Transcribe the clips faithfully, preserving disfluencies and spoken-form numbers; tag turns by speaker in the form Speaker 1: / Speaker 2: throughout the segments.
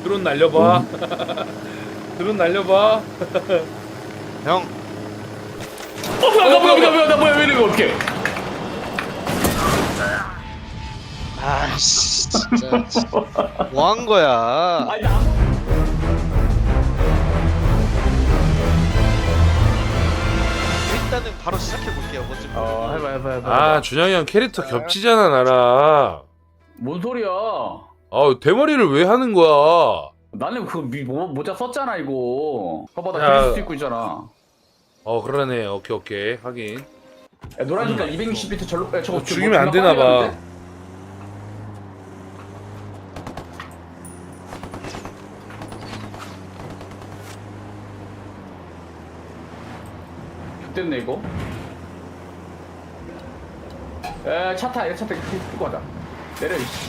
Speaker 1: 드론 날려봐. 드론 날려봐.
Speaker 2: 형.
Speaker 3: 어 뭐야 나 뭐야 뭐야 나 뭐야 왜 이래 이거 어떡해.
Speaker 2: 아씨 진짜 뭐한 거야?
Speaker 3: 아니 나
Speaker 2: 일단은 바로 시작해 볼게요. 먼저.
Speaker 3: 어 해봐 해봐 해봐.
Speaker 1: 아 준영이 형 캐릭터 겹치잖아 나랑.
Speaker 3: 뭔 소리야.
Speaker 1: 아 대머리를 왜 하는 거야?
Speaker 3: 나는 그 미, 모, 모자 썼잖아 이거. 봐봐 나
Speaker 1: 야.
Speaker 3: 그릴 수 있고 있잖아.
Speaker 1: 어 그러네. 오케이 오케이 확인.
Speaker 3: 야, 노란 색깔 이백육십 비트 절로 야, 저거
Speaker 1: 죽이면 안 되나 봐.
Speaker 3: 됐네 이거. 에차 타, 차 타, 끌고 가자. 내려 이씨.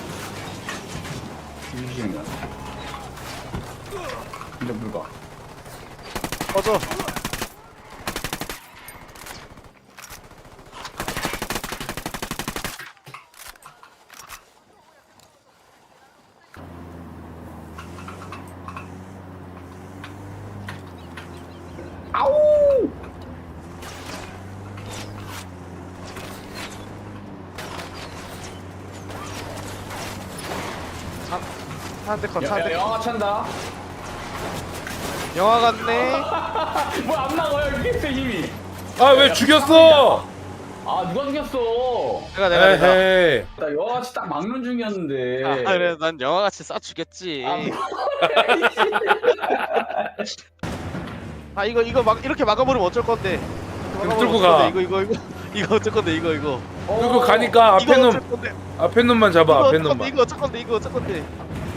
Speaker 3: 이기는 거야. 이제 물 가.
Speaker 2: 꺼져.
Speaker 3: 아우!
Speaker 2: 차한대 컷,
Speaker 3: 야, 야,
Speaker 2: 차한대 컷.
Speaker 3: 영화 찬다.
Speaker 2: 영화 같네.
Speaker 3: 뭐 안 나가요 이게 힘이.
Speaker 1: 아 왜 죽였어?
Speaker 3: 아 누가 죽였어?
Speaker 2: 내가 내가 내가.
Speaker 1: 에헤이.
Speaker 3: 나 영화같이 딱 막는 중이었는데.
Speaker 2: 아 그래 난 영화 같이 쏴 주겠지.
Speaker 3: 아, 뭐.
Speaker 2: 아 이거 이거 막 이렇게 막아버리면 어쩔 건데. 이렇게 막아버리면
Speaker 1: 뚫고
Speaker 2: 어쩔
Speaker 1: 가.
Speaker 2: 건데, 이거 이거 이거 이거 어쩔 건데 이거 이거.
Speaker 1: 그리고 가니까 앞에
Speaker 2: 이거
Speaker 1: 놈
Speaker 2: 어쩔 건데.
Speaker 1: 앞에 놈만 잡아.
Speaker 2: 이거
Speaker 1: 앞에
Speaker 2: 어쩔 건데
Speaker 1: 놈만.
Speaker 2: 이거 어쩔 건데 이거 어쩔 건데.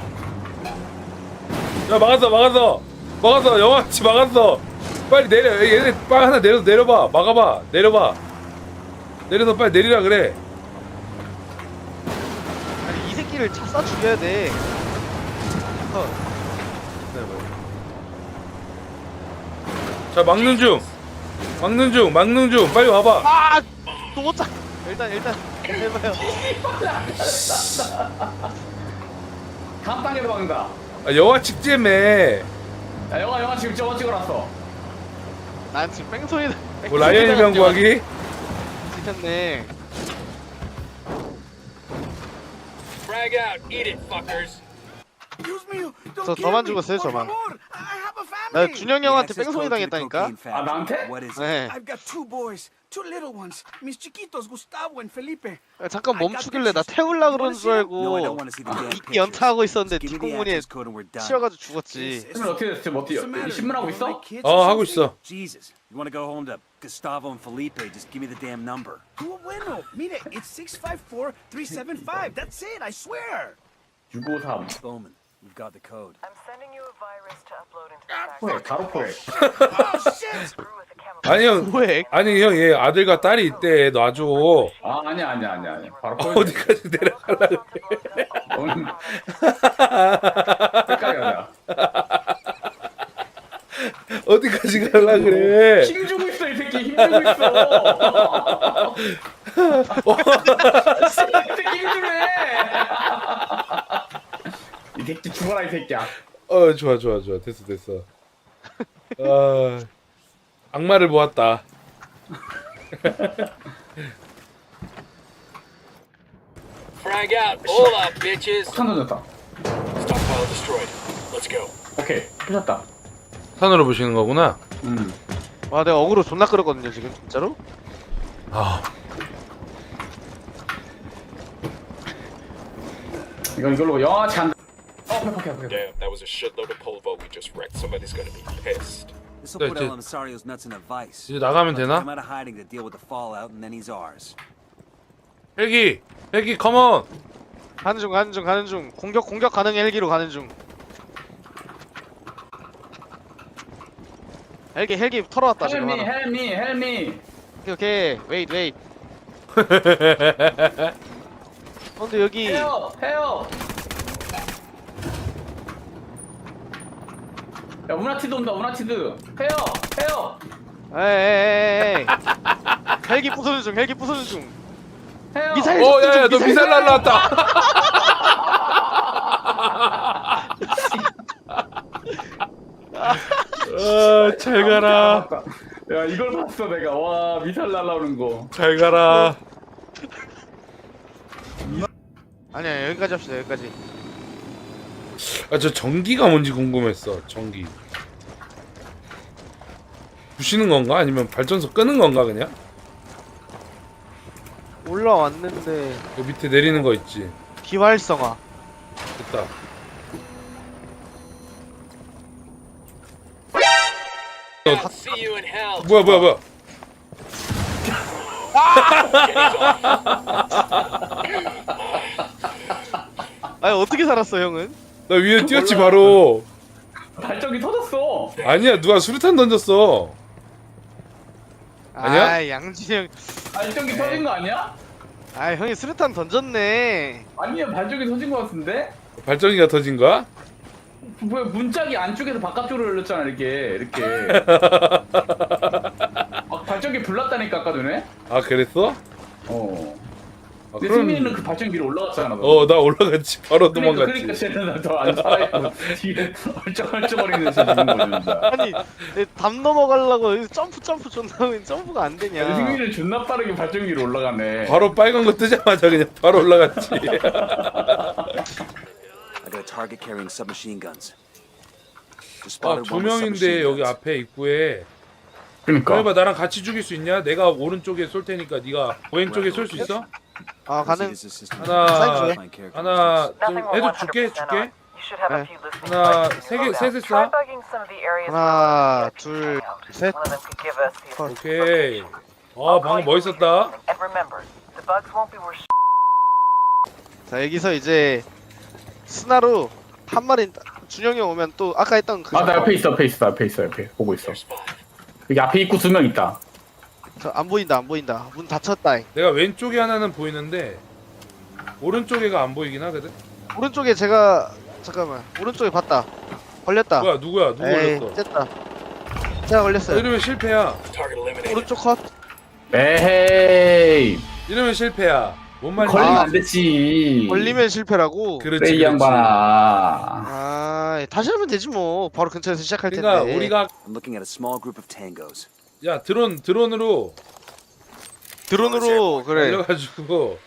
Speaker 1: 야 막았어 막았어 막았어. 영화치 막았어. 빨리 내려. 얘네 빨리 하나 내려 내려봐. 막아봐. 내려봐. 내려서 빨리 내리라 그래.
Speaker 2: 아니 이 새끼를 차 쏴 죽여야 돼. 컷.
Speaker 1: 자 막는 중. 막는 중. 막는 중. 빨리 와봐.
Speaker 2: 아! 또 못 차. 일단 일단 해봐요.
Speaker 3: 다음 단계로 막는다.
Speaker 1: 아, 영화 직제매.
Speaker 3: 야 영화 영화 지금 저거 찍어놨어.
Speaker 2: 난 지금 뺑소니.
Speaker 1: 뭐 라이언 일병 구하기?
Speaker 2: 찍혔네.
Speaker 4: Frag out, eat it, fuckers.
Speaker 2: 저 저만 죽었어요 저만. 나 준영이 형한테 뺑소니 당했다니까.
Speaker 3: 아 나한테?
Speaker 2: 네.
Speaker 5: I've got two boys, two little ones, mis chiquitos Gustavo and Felipe.
Speaker 2: 아, 잠깐 멈추길래 나 태울라 그러는 줄 알고 이끼 연타하고 있었는데 뒷공문에 치여가지고 죽었지.
Speaker 3: 신문 어떻게 됐어? 지금 어떻게 이 신문하고 있어?
Speaker 1: 어 하고 있어.
Speaker 6: Jesus, you want to go home to Gustavo and Felipe? Just give me the damn number.
Speaker 5: Tú bueno, mire, it's six five four three seven five. That's it, I swear.
Speaker 3: 육오삼.
Speaker 6: Bowman, you've got the code.
Speaker 7: I'm sending you a virus to upload into the
Speaker 3: 포획 가로 포획.
Speaker 5: Oh shit!
Speaker 7: screw with the chemical.
Speaker 1: 아니 형.
Speaker 2: 왜?
Speaker 1: 아니 형 얘 아들과 딸이 있대. 놔줘.
Speaker 3: 아 아니야 아니야 아니야 아니야. 바로 포획.
Speaker 1: 어디까지 내려가려 그래.
Speaker 3: 오늘 헷갈려.
Speaker 1: 어디까지 가려 그래.
Speaker 3: 힘 주고 있어 이 새끼 힘 주고 있어. 이 새끼 힘 주네. 이 새끼 죽어라 이 새끼야.
Speaker 1: 어 좋아 좋아 좋아. 됐어 됐어. 아 악마를 보았다.
Speaker 4: Frag out, all up, bitches.
Speaker 3: 폭탄 던졌다.
Speaker 4: Stockpile destroyed. Let's go.
Speaker 3: 오케이 부셨다.
Speaker 1: 산으로 보시는 거구나.
Speaker 3: 음.
Speaker 2: 와 내가 어그로 존나 끌었거든요 지금 진짜로.
Speaker 1: 아
Speaker 3: 이건 이걸로 영화치 한다. 어 오케이 오케이 오케이.
Speaker 4: Damn, that was a shitload of polvo we just wrecked. Somebody's gonna be pissed.
Speaker 6: This will put
Speaker 1: 네,
Speaker 6: El Emisario's nuts in a vice.
Speaker 1: 이제 나가면
Speaker 6: Let's
Speaker 1: 되나?
Speaker 6: come out of hiding to deal with the fallout, and then he's ours.
Speaker 1: 헬기 헬기 컴온.
Speaker 2: 가는 중 가는 중 가는 중. 공격 공격 가능 헬기로 가는 중. 헬기 헬기 털어왔다 지금
Speaker 3: 헬미
Speaker 2: 하나.
Speaker 3: 헬미 헬미.
Speaker 2: 오케이 오케이 웨이트 웨이트. 어, 근데 여기
Speaker 3: 헤어 헤어. 야 우나티드 온다 우나티드. 헤어 헤어.
Speaker 2: 에에에에이 헬기 부수는 중 헬기 부수는 중.
Speaker 3: 헤어.
Speaker 2: 미사일
Speaker 1: 어 야야 너 미사일 날라왔다. 아, 잘 가라.
Speaker 3: 야 이걸 봤어 내가. 와 미사일 날라오는 거.
Speaker 1: 잘 가라.
Speaker 2: 아니야 여기까지 합시다 여기까지.
Speaker 1: 아, 저 전기가 뭔지 궁금했어. 전기. 부시는 건가? 아니면 발전소 끄는 건가 그냥?
Speaker 2: 올라왔는데
Speaker 1: 그 밑에 내리는 거 있지.
Speaker 2: 비활성화.
Speaker 1: 됐다.
Speaker 4: See you in hell.
Speaker 1: 뭐야 뭐야 뭐야.
Speaker 2: 아니 어떻게 살았어 형은?
Speaker 1: 나 위에 뛰었지 바로.
Speaker 3: 발전기 터졌어.
Speaker 1: 아니야 누가 수류탄 던졌어. 아니야?
Speaker 2: 아 양진이 형.
Speaker 3: 발전기 터진 거 아니야?
Speaker 2: 아 형이 수류탄 던졌네.
Speaker 3: 아니야 발전기 터진 거 같은데?
Speaker 1: 발전기가 터진 거야?
Speaker 3: 왜 문짝이 안쪽에서 바깥쪽으로 열렸잖아 이렇게 이렇게. 막 발전기 불났다니까 아까 전에.
Speaker 1: 아 그랬어?
Speaker 3: 어.
Speaker 1: 아,
Speaker 3: 근데 승민이는 그 발전기 위로 올라갔잖아. 너.
Speaker 1: 어 나 올라갔지 바로
Speaker 3: 그러니까
Speaker 1: 도망갔지.
Speaker 3: 그러니까 쟤는 더안 살아있고 뒤에 얼쩡얼쩡거리는 새 죽은 거죠 진짜.
Speaker 2: 아니 내 담 넘어가려고 여기서 점프 점프 존나 하면 점프가 안 되냐.
Speaker 3: 승민이는 존나 빠르게 발전기 위로 올라가네.
Speaker 1: 바로 빨간 거 뜨자마자 그냥 바로 올라갔지.
Speaker 5: I got a target carrying submachine guns. Just
Speaker 1: 아,
Speaker 5: spotted
Speaker 1: 두
Speaker 5: one with
Speaker 1: 명인데
Speaker 5: submachine
Speaker 1: 여기
Speaker 5: guns.
Speaker 1: 앞에 입구에.
Speaker 3: 그러니까.
Speaker 1: 그래봐 나랑 같이 죽일 수 있냐? 내가 오른쪽에 쏠 테니까 네가 왼쪽에 쏠 수 있어?
Speaker 2: 아 가능.
Speaker 5: This is system.
Speaker 1: 하나,
Speaker 5: Fine characteristics.
Speaker 1: 하나, 좀
Speaker 7: Nothing will
Speaker 1: 해도
Speaker 7: one hundred
Speaker 1: 줄게,
Speaker 7: percent
Speaker 1: 줄게.
Speaker 7: on. You should have a
Speaker 2: 네.
Speaker 7: few listening
Speaker 1: 하나,
Speaker 7: devices
Speaker 1: 세 개,
Speaker 7: loaded.
Speaker 1: 셋을
Speaker 7: Try
Speaker 1: 쏴.
Speaker 7: bugging some of the areas
Speaker 2: 하나,
Speaker 7: where
Speaker 2: 둘,
Speaker 7: we're out.
Speaker 2: 셋.
Speaker 7: One of them could give us the
Speaker 1: 오케이. 아 방금 멋있었다.
Speaker 7: And remember, the bugs won't be worse.
Speaker 2: 자 여기서 이제 스나로 한 마리 준영이 형 오면 또 아까 했던 그.
Speaker 3: 아 나 옆에 있어 옆에 있어 옆에 있어 옆에 보고 있어. 여기 앞에 입구 두 명 있다.
Speaker 2: 저안 보인다 안 보인다. 문 닫혔다.
Speaker 1: 내가 왼쪽에 하나는 보이는데 오른쪽에가 안 보이긴 하거든.
Speaker 2: 오른쪽에 제가 잠깐만 오른쪽에 봤다. 걸렸다.
Speaker 1: 뭐야 누구야? 누구
Speaker 2: 에이
Speaker 1: 걸렸어?
Speaker 2: 쨌다. 제가 걸렸어요.
Speaker 1: 이러면 실패야.
Speaker 4: Target eliminated.
Speaker 2: 오른쪽 컷.
Speaker 3: 에헤이.
Speaker 1: 이러면 실패야. 뭔 말이야?
Speaker 3: 걸리면
Speaker 2: 아,
Speaker 3: 안 되지.
Speaker 2: 걸리면 실패라고.
Speaker 1: 그렇지.
Speaker 3: 그래 이
Speaker 1: 그렇지.
Speaker 3: 양반아.
Speaker 2: 아 다시 하면 되지 뭐. 바로 근처에서 시작할 텐데.
Speaker 1: 그러니까 우리가
Speaker 5: I'm looking at a small group of tangos.
Speaker 1: 야 드론 드론으로
Speaker 2: 드론으로 그래.
Speaker 1: 달려가지고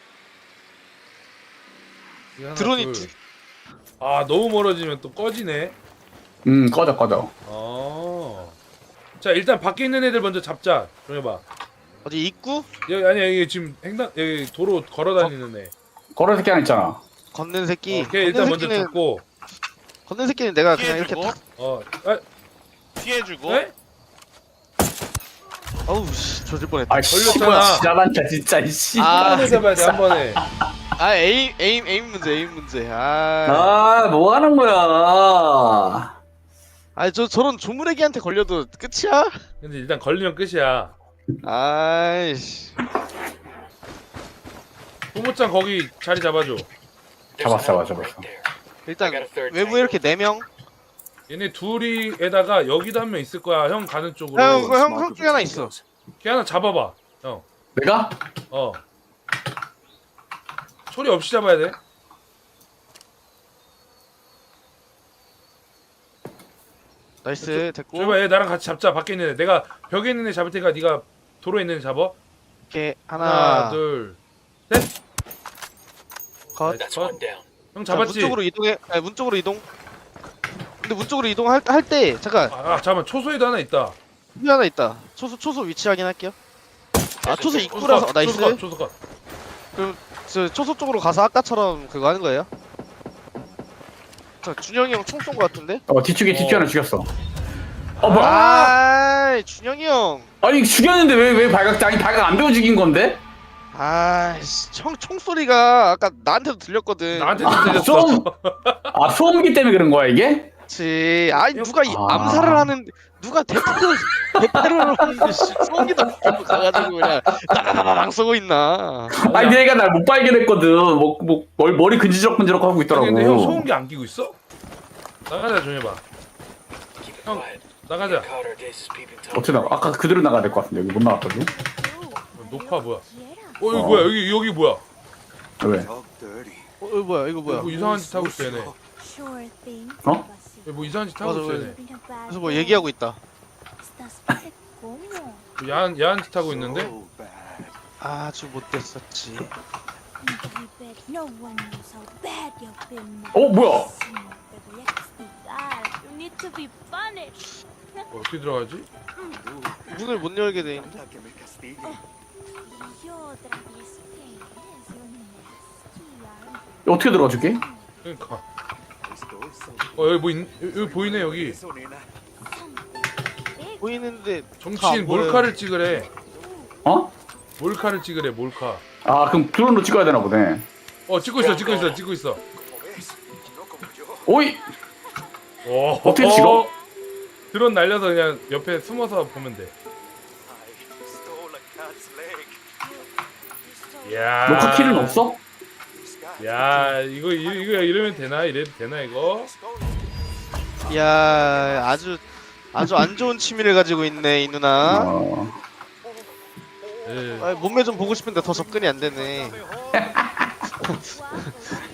Speaker 1: 이거 하나,
Speaker 2: 드론이
Speaker 1: 둘.
Speaker 2: 두-
Speaker 1: 아 너무 멀어지면 또 꺼지네.
Speaker 3: 음 꺼져 꺼져.
Speaker 1: 어. 자 일단 밖에 있는 애들 먼저 잡자. 좀 해봐.
Speaker 2: 어디 입구
Speaker 1: 여기 아니야 여기 지금 횡단 여기 도로 걸어다니는 애.
Speaker 3: 걸어 새끼 하나 있잖아.
Speaker 2: 걷는 새끼.
Speaker 1: 오케이 일단
Speaker 2: 걷는
Speaker 1: 먼저
Speaker 2: 새끼는
Speaker 1: 잡고.
Speaker 2: 걷는 새끼는 내가 그냥 이렇게
Speaker 8: 피해주고
Speaker 2: 탁.
Speaker 1: 어. 아,
Speaker 8: 피해주고
Speaker 1: 에?
Speaker 2: 어우 씨 조질 뻔했다.
Speaker 3: 아
Speaker 1: 걸렸잖아.
Speaker 3: 씨발 지랄한다 진짜 이씨.
Speaker 2: 아,
Speaker 1: 한 번에 잡아야 돼 한 번에.
Speaker 2: 아 에임 에임 에임 문제 에임 문제. 아.
Speaker 3: 아, 뭐 하는 거야?
Speaker 2: 아니 저 저런 조무래기한테 걸려도 끝이야?
Speaker 1: 근데 일단 걸리면 끝이야.
Speaker 2: 아이씨.
Speaker 1: 소모짱 거기 자리 잡아줘.
Speaker 3: 잡았어, 잡았어, 잡았어.
Speaker 2: 일단 외부에 이렇게 네 명.
Speaker 1: 얘네 둘이에다가 여기도 한 명 있을 거야. 형 가는 쪽으로.
Speaker 2: 형,
Speaker 5: A
Speaker 2: 그 형,
Speaker 5: small
Speaker 2: 형
Speaker 5: group
Speaker 2: 중에
Speaker 5: of
Speaker 2: 하나 있어.
Speaker 5: tangos.
Speaker 1: 걔 하나 잡아봐. 형.
Speaker 3: 내가?
Speaker 1: 어. 소리 없이 잡아야 돼.
Speaker 2: 나이스 됐고.
Speaker 1: 저봐 얘 나랑 같이 잡자. 밖에 있는 애. 내가 벽에 있는 애 잡을 테니까 네가 도로에 있는 애 잡아.
Speaker 2: 이렇게
Speaker 1: 하나,
Speaker 2: 하나,
Speaker 1: 둘.
Speaker 2: 컷.
Speaker 4: That's one down.
Speaker 1: 형
Speaker 2: 자, 문
Speaker 1: 잡았지?
Speaker 2: 쪽으로 이동해. 아니, 문 쪽으로 이동. 근데 문 쪽으로 이동할 할 때 잠깐
Speaker 1: 아, 아 잠깐만. 초소에도 하나 있다.
Speaker 2: 여기 하나 있다. 초소 초소 위치 확인할게요. 아 초소
Speaker 1: 초소
Speaker 2: 입구라서
Speaker 1: 컷,
Speaker 2: 나이스.
Speaker 1: 초소 컷, 초소 컷.
Speaker 2: 저 초소 쪽으로 가서 아까처럼 그거 하는 거예요? 자 준영이 형 총 쏜 거 같은데?
Speaker 3: 어 뒤쪽에 뒤쪽에
Speaker 1: 어.
Speaker 3: 하나 죽였어. 어 뭐야?
Speaker 2: 아 준영이 형.
Speaker 3: 아니 죽였는데 왜 왜 발각 아니 발각 안 배워 죽인 건데?
Speaker 2: 아이씨 총 총소리가 아까 나한테도 들렸거든.
Speaker 1: 나한테도
Speaker 3: 아,
Speaker 1: 들렸어.
Speaker 3: 좀- 아 소음기 때문에 그런 거야 이게?
Speaker 2: 그치. 아니 누가 이
Speaker 3: 아.
Speaker 2: 암살을 하는 누가 대테러 대테러를 하는데 씨 소음기도 들고 가가지고 그냥 나나나랑 쏘고 있나.
Speaker 3: 아니 얘가 날 못 발견했거든. 뭐, 뭐 머리, 머리 근지럭근지럭 하고 있더라고.
Speaker 1: 근데 형 소음기 안 끼고 있어? 나가자 좀 해봐.
Speaker 4: Keep it
Speaker 1: 형
Speaker 4: quiet.
Speaker 1: 나가자.
Speaker 4: Carter, this is peeping Tom.
Speaker 3: 어떻게 나가? 아까 그대로 나가야 될 것 같은데 여기 못 나갔거든.
Speaker 1: 녹화 뭐야? 어 여기
Speaker 3: 어.
Speaker 1: 뭐야? 여기 여기 뭐야?
Speaker 3: 왜?
Speaker 5: Dog dirty.
Speaker 2: 어 이거 뭐야 이거 뭐야?
Speaker 1: 뭐 이상한 짓 하고 있어 얘네.
Speaker 3: 어?
Speaker 1: 왜 뭐 이상한 짓 하고
Speaker 2: 맞아,
Speaker 1: 있어
Speaker 2: 맞아.
Speaker 1: 얘네.
Speaker 2: 그래서 뭐 얘기하고 있다.
Speaker 1: 뭐 야한 야한 짓 하고 있는데.
Speaker 6: So bad.
Speaker 2: 아주 못됐었지.
Speaker 3: 어 뭐야?
Speaker 1: 어, 어떻게 들어가지?
Speaker 2: 문을 못 열게 돼 있는데.
Speaker 6: Que me castigue.
Speaker 3: 어떻게 들어가줄게?
Speaker 1: 그러니까. 어 여기 뭐 있, 여기, 여기 보이네 여기.
Speaker 6: Eso, nena.
Speaker 2: 보이는데
Speaker 1: 정치인
Speaker 2: 안 보여요.
Speaker 1: 몰카를 찍으래.
Speaker 3: 어?
Speaker 1: 몰카를 찍으래 몰카.
Speaker 3: 아 그럼 드론으로 찍어야 되나 보네.
Speaker 1: 어 찍고 있어 찍고 있어 찍고 있어.
Speaker 3: 오이.
Speaker 1: 오,
Speaker 3: 어떻게 찍어?
Speaker 1: 드론 날려서 그냥 옆에 숨어서 보면 돼.
Speaker 6: I stole a cat's leg.
Speaker 1: 야.
Speaker 3: 녹화 키는 없어?
Speaker 1: 야 이거 이- 이거 이러면 되나 이래도 되나 이거?
Speaker 2: 야 아주 아주 안 좋은 취미를 가지고 있네 이 누나.
Speaker 3: 어.
Speaker 1: 예.
Speaker 2: 아, 몸매 좀 보고 싶은데 더 접근이 안 되네.